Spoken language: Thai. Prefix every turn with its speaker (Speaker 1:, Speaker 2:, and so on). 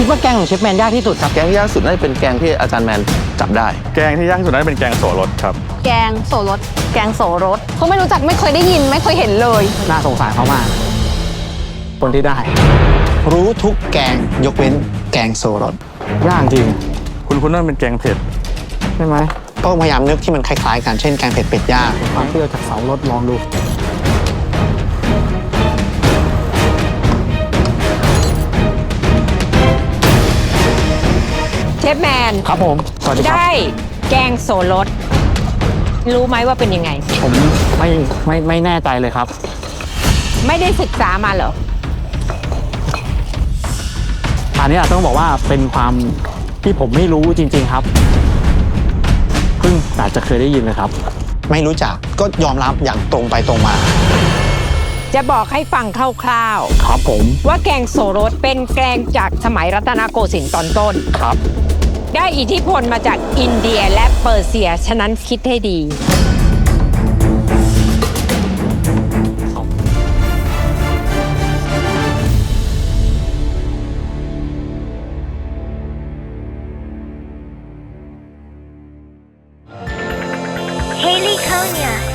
Speaker 1: คิดว่าแกงของเชฟแมนยากที่สุดครับ
Speaker 2: แกงที่ยากสุดน่าจะเป็นแกงที่อาจารย์แมนจับได้
Speaker 3: แกงที่ยากที่สุดน่าจะเป็นแกงโสรสครับ
Speaker 4: แกงโสรสแกงโสรสเขาไม่รู้จักไม่เคยได้ยินไม่เคยเห็นเลย
Speaker 1: น่าสงสารเขามากคนที่ได้
Speaker 5: รู้ทุกแกงยกเว้นแกงโซรส
Speaker 1: ยากจริง
Speaker 3: คุณน่าเป็นแกงเผ็ด
Speaker 1: ใช่ไหม
Speaker 5: ก็พยายามนึกที่มันคล้ายๆกันเช่นแกงเผ็ดเป็ดย่าง
Speaker 1: ความเปรี้ยวจากเสารสลองดู
Speaker 6: เชฟแมน
Speaker 1: ครับผมสวัสดีครับ
Speaker 6: ได้แกงโสรสรู้ไหมว่าเป็นยังไง
Speaker 1: ผมไม่แน่ใจเลยครับ
Speaker 6: ไม่ได้ศึกษามาเหรอ
Speaker 1: อันนี้ต้องบอกว่าเป็นความที่ผมไม่รู้จริงๆครับเพิ่งอาจจะเคยได้ยินเลยครับ
Speaker 5: ไม่รู้จักก็ยอมรับอย่างตรงไปตรงมา
Speaker 6: จะบอกให้ฟังคร่าว
Speaker 1: ๆครับผม
Speaker 6: ว่าแกงโสรสเป็นแกงจากสมัยรัตนโกสินทร์ตอนต้น
Speaker 1: ครับ
Speaker 6: ได้อิทธิพลมาจากอินเดียและเปอร์เซียฉะนั้นคิดให้ดี
Speaker 7: Haley Konya